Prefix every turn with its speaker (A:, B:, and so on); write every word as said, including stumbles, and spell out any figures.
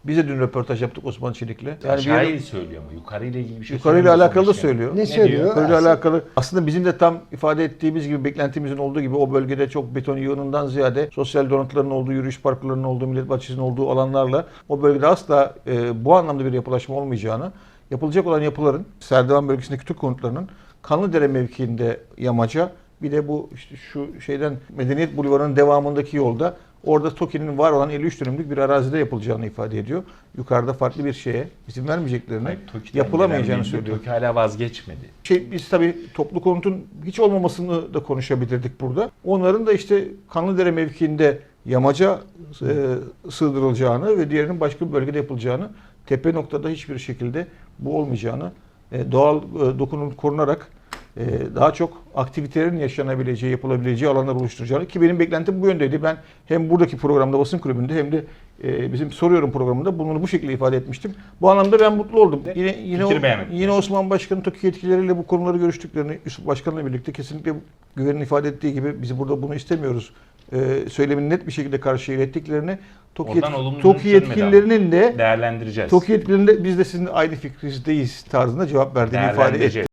A: Biz de dün röportaj yaptık Osman Çelik'le.
B: Yani
A: Aşağıyı
B: bir söylüyor mu? Yukarıyla ilgili bir şey
A: yukarıyla alakalı da
B: sonuçta.
A: söylüyor.
C: Ne söylüyor?
A: Yukarıyla
C: Aslında-
A: alakalı. Aslında bizim de tam ifade ettiğimiz gibi, beklentimizin olduğu gibi o bölgede çok beton yığınından ziyade sosyal donatıların olduğu, yürüyüş parklarının olduğu, millet bahçesinin olduğu alanlarla o bölgede asla e, bu anlamda bir yapılaşma olmayacağını, yapılacak olan yapıların Serdivan bölgesindeki Türk konutlarının Kanlıdere mevkiinde yamaca, bir de bu işte şu şeyden Medeniyet Bulvarı'nın devamındaki yolda orada TOKİ'nin var olan elli üç dönümlük bir arazide yapılacağını ifade ediyor. Yukarıda farklı bir şeye izin vermeyeceklerini,
B: Hayır, TOKİ'den
A: yapılamayacağını
B: gelen
A: söylüyor.
B: TOKİ hala vazgeçmedi.
A: Şey, biz tabii toplu konutun hiç olmamasını da konuşabilirdik burada. Onların da işte Kanlıdere mevkiinde yamaca e, sığdırılacağını ve diğerinin başka bir bölgede yapılacağını, tepe noktada hiçbir şekilde bu olmayacağını, e, doğal e, dokunun korunarak e, daha çok aktivitelerin yaşanabileceği, yapılabileceği alanlar oluşturacağını, ki benim beklentim bu yöndeydi. Ben hem buradaki programda, basın kulübünde, hem de e, bizim Soruyorum programında bunu bu şekilde ifade etmiştim. Bu anlamda ben mutlu oldum. Yine yine
B: Fikir beğenmedim.
A: yine Osman Başkan'ın TOKİ yetkilileriyle bu konuları görüştüklerini, Yusuf Başkan'la birlikte kesinlikle güvenin ifade ettiği gibi biz burada bunu istemiyoruz e, söylemini net bir şekilde karşıya ilettiklerini, TOKİ,
B: Oradan
A: yetki-
B: olumlu
A: TOKİ
B: dönüş gelmedi
A: yetkililerinin de
B: Değerlendireceğiz.
A: TOKİ yetkililerinin de biz de sizin aynı fikrinizdeyiz tarzında cevap verdiğini ifade etti.
B: Değerlendireceğiz.